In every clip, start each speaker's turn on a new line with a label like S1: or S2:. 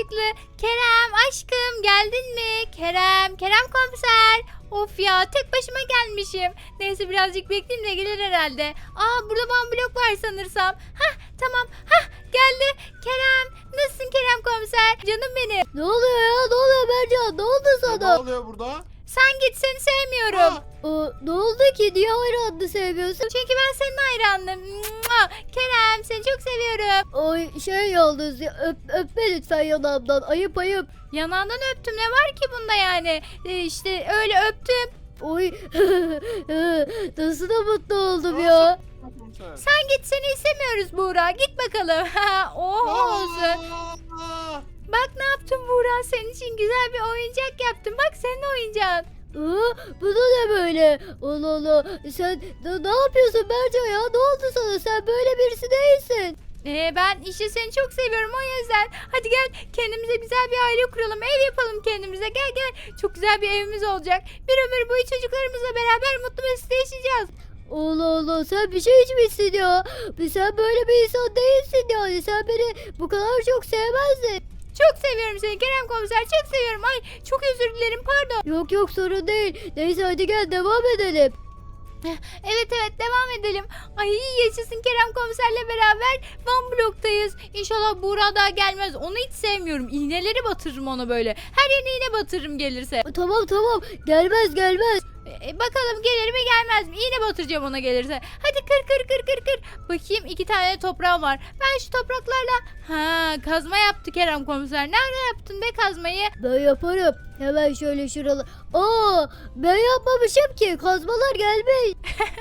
S1: yakışıklı. Kerem aşkım geldin mi? Kerem komiser. Of ya tek başıma gelmişim. Neyse birazcık bekleyeyim de gelir herhalde. Burada bana blok var sanırsam. Tamam geldi. Kerem nasılsın Kerem komiser? Canım benim.
S2: Ne oluyor ya? Ne oluyor Bercan? Ne oldu sana?
S3: Ne oluyor burada?
S1: Sen git seni sevmiyorum.
S2: Ne oldu ki? Niye hayranını sevmiyorsun?
S1: Çünkü ben senin hayranım. Mua! Kerem seni çok seviyorum.
S2: Ay yalnız ya, öpme lütfen yanağımdan. Ayıp.
S1: Yanağından öptüm ne var ki bunda yani? İşte öyle öptüm.
S2: Oy nasıl da mutlu oldum ya.
S1: Sen git seni istemiyoruz Buğra. Git bakalım. Olsun. Bak ne yaptım Buğra. Senin için güzel bir oyuncak yaptım. Bak senin oyuncağın.
S2: Bu da ne böyle? Allah Allah. Sen ne yapıyorsun Bercan ya? Ne oldu sana? Sen böyle birisi değilsin.
S1: Ben işte seni çok seviyorum o yüzden. Hadi gel kendimize güzel bir aile kuralım. Ev yapalım kendimize. Gel. Çok güzel bir evimiz olacak. Bir ömür boyu çocuklarımızla beraber mutlu mesut yaşayacağız.
S2: Allah Allah, sen bir şey içmişsin ya. Sen böyle bir insan değilsin yani. Sen beni bu kadar çok sevmezdin.
S1: Çok seviyorum seni Kerem komiser. Çok seviyorum. Ay çok özür dilerim pardon.
S2: Yok sorun değil. Neyse hadi gel devam edelim.
S1: Evet devam edelim. Ay yaşasın Kerem komiserle beraber Van bloktayız. İnşallah Buğra daha gelmez. Onu hiç sevmiyorum. İğneleri batırırım ona böyle. Her yerine iğne batırırım gelirse.
S2: Tamam gelmez.
S1: Bakalım gelir mi gelmez mi? İğne batıracağım ona gelirse. Hadi kır. Bakayım 2 tane toprağım var. Ben şu topraklarla kazma yaptı Kerem komiser. Nerede yaptın be kazmayı?
S2: Ben yaparım. Hemen şöyle şuralı. Ben yapmamışım ki. Kazmalar gelmiş.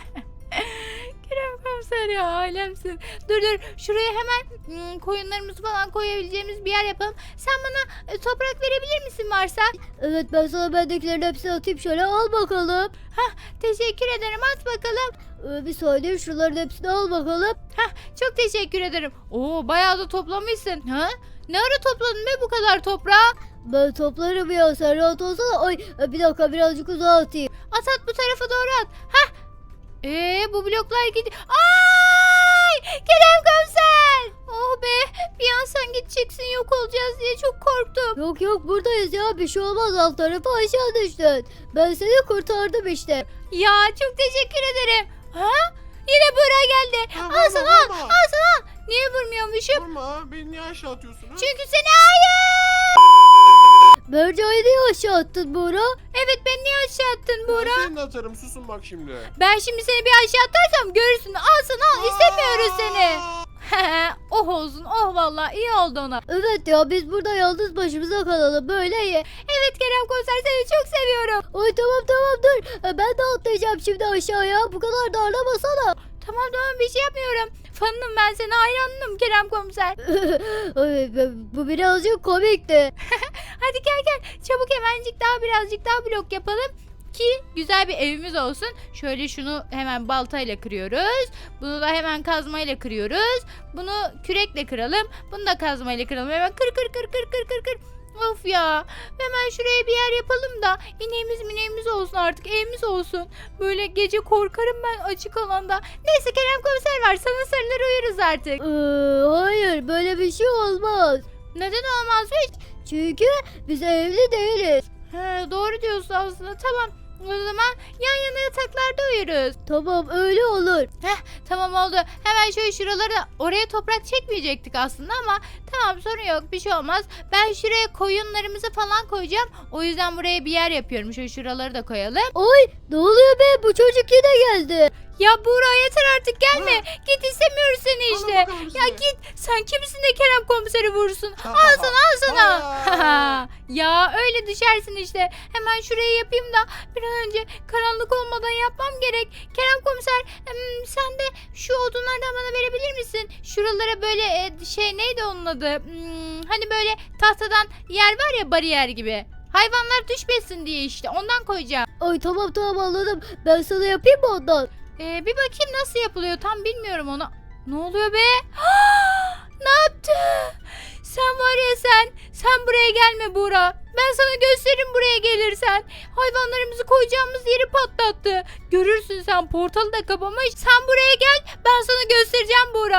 S1: Kerem komiser ya alemsin. Dur şuraya hemen koyunlarımızı falan koyabileceğimiz bir yer yapalım. Sen bana toprak verebilir misin varsa?
S2: Evet ben sana bendekilerin hepsini atayım şöyle al bakalım.
S1: Teşekkür ederim at bakalım.
S2: Bir saniye şuraların hepsini al bakalım.
S1: Çok teşekkür ederim. Bayağı da toplamışsın. Ne ara topladın be bu kadar toprağı?
S2: Ben toplarım ya sen rahat olsana. Ay bir dakika birazcık uzağa atayım.
S1: At bu tarafa doğru at. Bu bloklar gidiyor. Ay! Kerem komiser! Oh be! Bir an sen gideceksin yok olacağız diye çok korktum.
S2: Yok buradayız ya bir şey olmaz alt tarafı aşağı düştün. Ben seni kurtardım işte.
S1: Ya çok teşekkür ederim. Yine Buğra geldi. Al sana al. Niye vurmuyormuşum?
S3: Vurma, beni niye aşağı atıyorsunuz?
S1: Çünkü seni hayır.
S2: Berca'yı niye aşağı attın Buğra?
S1: Evet beni niye aşağı attın Buğra?
S3: Ben seni de atarım, susun bak şimdi.
S1: Ben şimdi seni bir aşağı atarsam görürsün. Al sana al. İstemiyoruz seni. Oh olsun. Oh vallahi iyi oldu ona.
S2: Evet ya biz burada yalnız başımıza kalalım böyle iyi.
S1: Evet Kerem komiser seni çok seviyorum.
S2: Ay tamam dur. Ben de atlayacağım şimdi aşağıya. Bu kadar darlamasana.
S1: Tamam bir şey yapmıyorum. Fanım ben sana hayranım Kerem komiser.
S2: Ay, bu birazcık komikti.
S1: Hadi gel. Çabuk birazcık daha blok yapalım. Ki güzel bir evimiz olsun. Şöyle şunu hemen baltayla kırıyoruz. Bunu da hemen kazmayla kırıyoruz. Bunu kürekle kıralım. Bunu da kazmayla kıralım. Hemen kır. Of ya. Hemen şuraya bir yer yapalım da ineğimiz olsun artık evimiz olsun. Böyle gece korkarım ben açık alanda. Neyse Kerem komiser var sana sarılır uyuruz artık.
S2: Hayır böyle bir şey olmaz.
S1: Neden olmazmış?
S2: Çünkü biz evli değiliz.
S1: Doğru diyorsun aslında tamam. O zaman yan yana yataklarda uyuruz.
S2: Tamam öyle olur.
S1: Tamam oldu. Hemen şöyle şuralara oraya toprak çekmeyecektik aslında ama tamam sorun yok bir şey olmaz. Ben şuraya koyunlarımızı falan koyacağım. O yüzden buraya bir yer yapıyorum. Şöyle şuraları da koyalım.
S2: Ay ne oluyor be bu çocuk yine geldi.
S1: Ya Buğra yeter artık gelme. Git istemiyoruz seni işte. Ya git sen kimsin de Kerem komiseri vurursun. Al sana. Ya öyle düşersin işte. Hemen şurayı yapayım da bir an önce karanlık olmadan yapmam gerek. Kerem komiser sen de şu odunlardan bana verebilir misin? Şuralara böyle neydi onun adı? Hani böyle tahtadan yer var ya bariyer gibi. Hayvanlar düşmesin diye işte ondan koyacağım.
S2: Ay tamam anladım. Ben sana yapayım mı ondan?
S1: Bir bakayım nasıl yapılıyor tam bilmiyorum onu. Ne oluyor be? Ne yaptı? Sen var ya sen buraya gelme Buğra. Ben sana gösteririm buraya gelirsen. Hayvanlarımızı koyacağımız yeri patlattı. Görürsün sen portalı da kapamış. Sen buraya gel ben sana göstereceğim Buğra.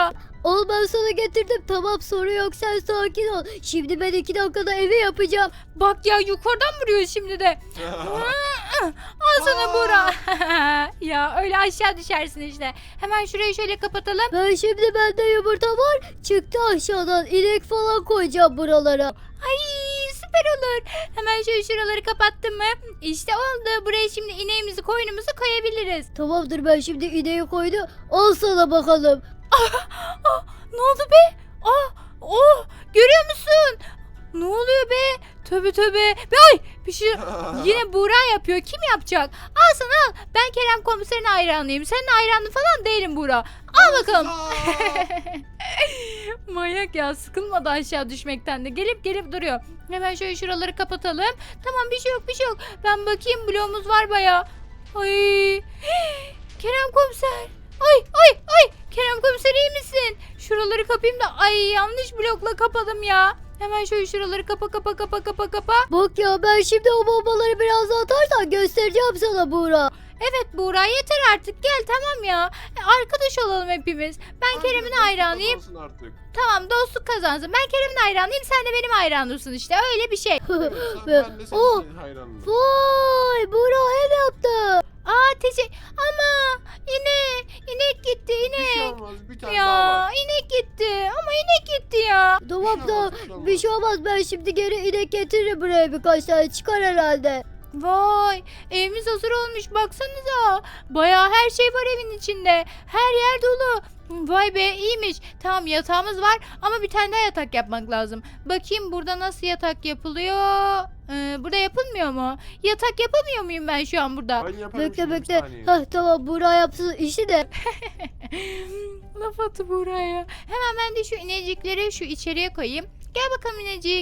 S2: Al ben sana getirdim. Tamam sorun yok sen sakin ol. Şimdi ben 2 dakikada evi yapacağım.
S1: Bak ya yukarıdan vuruyor şimdi de. Al sana Buğra. Ya öyle aşağı düşersin işte. Hemen şurayı şöyle kapatalım.
S2: Ben şimdi bende yumurta var. Çıktı aşağıdan. İnek falan koyacağım buralara.
S1: Ay süper olur. Hemen şöyle şuraları kapattım mı? İşte oldu. Buraya şimdi ineğimizi koyunumuzu koyabiliriz.
S2: Tamamdır ben şimdi ineği koydum. Al sana bakalım.
S1: Ne oldu be? Oh görüyor musun? Ne oluyor be? Tövbe tövbe. Ay bir şey yine Buğra yapıyor. Kim yapacak? Al sana al. Ben Kerem komiserin hayranıyım. Senin hayranın falan değilim Buğra. Al bakalım. Manyak ya, sıkılmadı aşağı düşmekten de. Gelip duruyor. Hemen şöyle şuraları kapatalım. Tamam bir şey yok. Ben bakayım bloğumuz var baya. Ay. Kerem komiser. Ay. Kerem komiser iyi misin? Şuraları kapayım da ay yanlış blokla kapadım ya. Hemen şöyle şuraları kapa.
S2: Bak ya ben şimdi o bombaları biraz daha atarsan göstereceğim sana Buğra.
S1: Evet Buğra yeter artık gel tamam ya. Arkadaş olalım hepimiz. Ben Kerem'in hayranıyım.
S3: Artık.
S1: Tamam dostluk kazansın. Ben Kerem'in hayranıyım sen de benim hayranımsın işte öyle bir şey.
S3: Evet, ben de
S2: Oh.
S3: senin hayranım.
S2: Vay Buğra ev yaptı.
S1: Ama inek gitti
S3: Bir şey
S1: inek.
S3: olmaz. Bir tane daha
S1: Ya
S3: var.
S1: inek gitti ama inek gitti ya.
S2: Tamam da
S3: Bir şey olmaz.
S2: bir şey olmaz ben şimdi geri inek getiririm buraya birkaç tane çıkar herhalde.
S1: Vay evimiz hazır olmuş baksanıza. Bayağı her şey var evin içinde. Her yer dolu. Vay be iyiymiş. Tamam yatağımız var ama bir tane daha yatak yapmak lazım. Bakayım burada nasıl yatak yapılıyor. Burada yapılmıyor mu? Yatak yapamıyor muyum ben şu an burada?
S3: Ben yaparım
S2: Bekle
S3: şimdi, bir
S2: bekle.
S3: saniye.
S2: Hah tamam Buğra yapsın işi de.
S1: Laf atı buraya. Hemen ben de şu inecikleri şu içeriye koyayım. Gel bakalım inecik.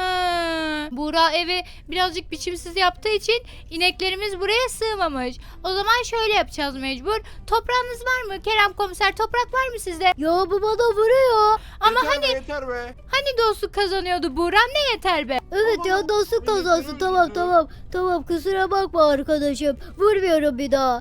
S1: Buğra evi birazcık biçimsiz yaptığı için ineklerimiz buraya sığmamış. O zaman şöyle yapacağız mecbur. Toprağınız var mı? Kerem komiser toprak var mı sizde?
S2: Ya bu bana vuruyor.
S1: Ama
S3: Yeter be.
S1: hani dostluk kazanıyordu Buğra ne yeter be?
S2: Evet
S3: Baba,
S2: ya dostluk
S3: beni
S2: kazansın
S3: öldürdü.
S2: tamam kusura bakma arkadaşım. Vurmuyorum bir daha.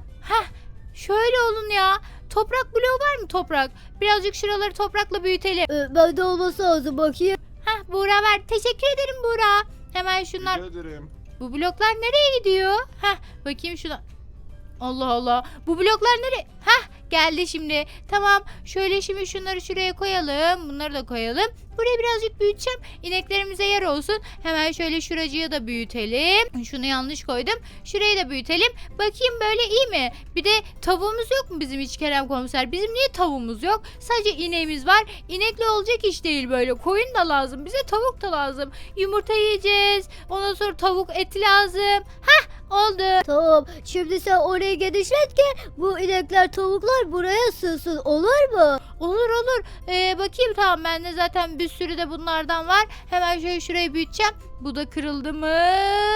S1: Şöyle olun ya. Toprak bloğu var mı toprak? Birazcık şuraları toprakla büyütelim.
S2: Bende olması lazım bakayım.
S1: Buğra ver. Teşekkür ederim Buğra. Hemen şunlar.
S3: Rica ederim.
S1: Bu bloklar nereye gidiyor? Bakayım şuna. Allah Allah. Bu bloklar nereye? Geldi şimdi. Tamam. Şöyle şimdi şunları şuraya koyalım. Bunları da koyalım. Burayı birazcık büyüteceğim. İneklerimize yer olsun. Hemen şöyle şuracığı da büyütelim. Şunu yanlış koydum. Şurayı da büyütelim. Bakayım böyle iyi mi? Bir de tavuğumuz yok mu bizim hiç Kerem komiser? Bizim niye tavuğumuz yok? Sadece ineğimiz var. İnekle olacak iş değil böyle. Koyun da lazım. Bize tavuk da lazım. Yumurta yiyeceğiz. Ondan sonra tavuk eti lazım. Oldu.
S2: Tamam şimdi sen orayı genişlet ki bu inekler tavuklar buraya sığsın olur mu?
S1: Olur. Bakayım tamam bende zaten bir sürü de bunlardan var. Hemen şöyle şurayı büyüteceğim. Bu da kırıldı mı?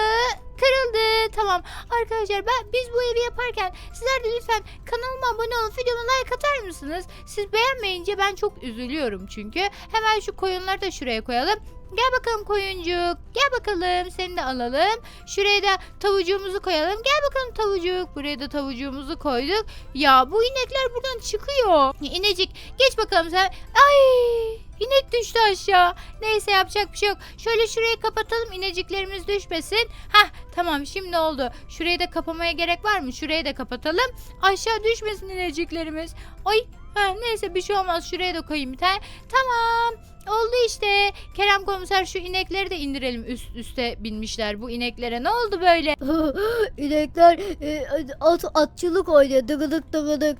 S1: Kırıldı. Tamam. Arkadaşlar biz bu evi yaparken sizler de lütfen kanalıma abone olup videoma like atar mısınız? Siz beğenmeyince ben çok üzülüyorum çünkü. Hemen şu koyunları da şuraya koyalım. Gel bakalım koyuncuk. Gel bakalım seni de alalım. Şuraya da tavucuğumuzu koyalım. Gel bakalım tavucuk. Buraya da tavucuğumuzu koyduk. Ya bu inekler buradan çıkıyor. İnecik geç bakalım sen. Ay inek düştü aşağı. Neyse yapacak bir şey yok. Şöyle şurayı kapatalım ineciklerimiz düşmesin. Tamam şimdi oldu. Şurayı da kapamaya gerek var mı? Şurayı da kapatalım. Aşağı düşmesin ineciklerimiz. Ay neyse bir şey olmaz. Şuraya da koyayım bir tane. Tamam. Oldu işte. Kerem komiser şu inekleri de indirelim. Üste binmişler bu ineklere. Ne oldu böyle?
S2: İnekler atçılık oynuyor dıgıdık.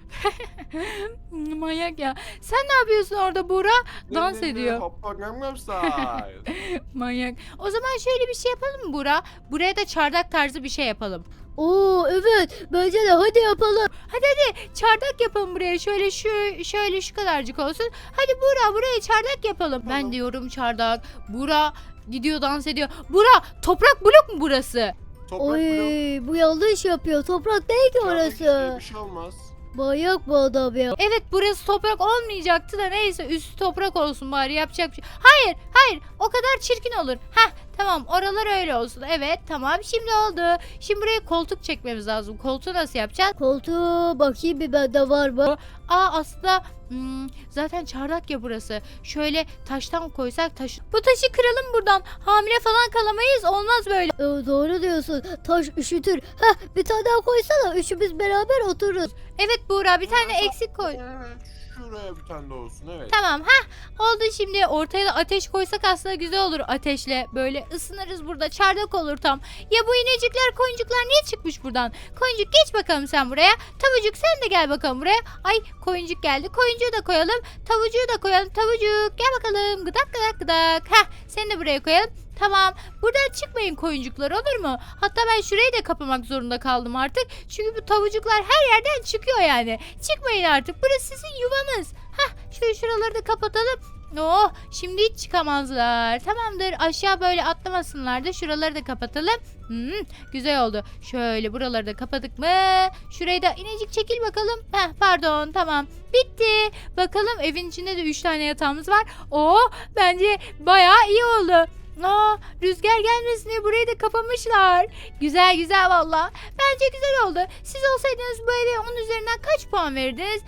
S1: Manyak ya. Sen ne yapıyorsun orada Buğra? Dans ediyor.
S3: Hoppa gam style.
S1: Manyak. O zaman şöyle bir şey yapalım mı Buğra? Buraya da çardak tarzı bir şey yapalım.
S2: Oo evet bence de hadi yapalım.
S1: Hadi çardak yapalım buraya. Şöyle şu kadarcık olsun. Hadi Buğra buraya çardak yapalım. Ben
S3: Tamam.
S1: diyorum çardak. Buğra gidiyor dans ediyor. Buğra toprak blok mu burası?
S3: Toprak
S2: Oy
S3: blok.
S2: bu yanlış yapıyor toprak değil ki
S3: Çardak işte,
S2: orası.
S3: Bir şey olmaz.
S2: Manyak bu adam ya.
S1: Evet burası toprak olmayacaktı da neyse üstü toprak olsun bari yapacak bir şey. Hayır o kadar çirkin olur. Tamam, oralar öyle olsun. Evet, tamam, şimdi oldu. Şimdi buraya koltuk çekmemiz lazım. Koltuğu nasıl yapacağız?
S2: Koltuğu bakayım bir bende var mı?
S1: Aslında zaten çardak ya burası. Şöyle taştan koysak bu taşı kıralım buradan. Hamile falan kalamayız. Olmaz böyle.
S2: Doğru diyorsun. Taş üşütür. Heh, bir tane daha koysana. Üçümüz beraber otururuz.
S1: Evet Buğra, bir tane eksik koy.
S3: Evet, şuraya bir tane de olsun evet.
S1: Tamam, oldu şimdi. Ortaya da ateş koysak aslında güzel olur ateşle. Böyle ısınırız burada. Çardak olur tam. Ya bu inecikler, koyuncuklar niye çıkmış buradan? Koyuncuk geç bakalım sen buraya. Tavucuk sen de gel bakalım buraya. Ay, koyuncuk geldi. Koyuncuğu da koyalım. Tavucuğu da koyalım. Tavucuk gel bakalım. Gıdak gıdak gıdak. Seni de buraya koyalım. Tamam. Buradan çıkmayın koyuncuklar, olur mu? Hatta ben şurayı da kapamak zorunda kaldım artık. Çünkü bu tavucuklar her yerden çıkıyor yani. Çıkmayın artık. Burası sizin yuvanız. Şöyle şuraları da kapatalım. Oh, şimdi hiç çıkamazlar. Tamamdır. Aşağı böyle atlamasınlar da şuraları da kapatalım. Güzel oldu. Şöyle buraları da kapadık mı? Şurayı da inecik çekil bakalım. Pardon, tamam. Bitti. Bakalım, evin içinde de 3 tane yatağımız var. Oh, bence bayağı iyi oldu. Rüzgar gelmesin diye burayı da kapamışlar. Güzel güzel valla. Bence güzel oldu. Siz olsaydınız bu eve 10 üzerinden kaç puan verirdiniz?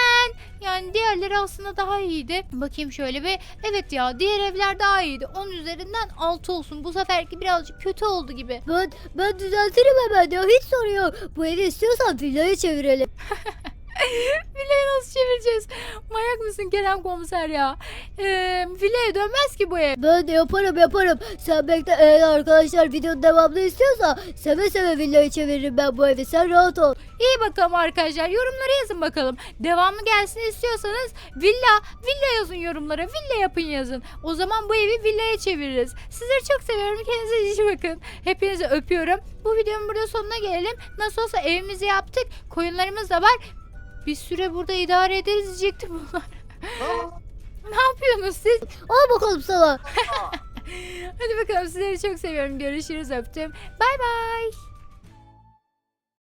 S1: Yani diğerleri aslında daha iyiydi. Bakayım şöyle bir. Evet ya, diğer evler daha iyiydi. 10 üzerinden 6 olsun. Bu seferki birazcık kötü oldu gibi.
S2: Ben düzeltirim hemen ya. Hiç sorun yok. Bu evi istiyorsan villaya çevirelim.
S1: Villayı nasıl çevireceğiz? Manyak mısın Kerem komiser ya? Villaya dönmez ki bu ev.
S2: Ben de yaparım. Sen bekle, eğer arkadaşlar videonun devamını istiyorsa seve seve villayı çeviririm ben bu evi. Sen rahat ol.
S1: İyi bakalım arkadaşlar. Yorumlara yazın bakalım. Devamı gelsin istiyorsanız villa yazın yorumlara. Villa yapın yazın. O zaman bu evi villaya çeviririz. Sizleri çok seviyorum. Kendinize iyi bakın. Hepinizi öpüyorum. Bu videonun burada sonuna gelelim. Nasıl olsa evimizi yaptık. Koyunlarımız da var. Bir süre burada idare ederiz diyecektim bunlar. Ne yapıyorsunuz siz?
S2: Al bakalım sana.
S1: Hadi bakalım, sizleri çok seviyorum. Görüşürüz, öptüm. Bay bay.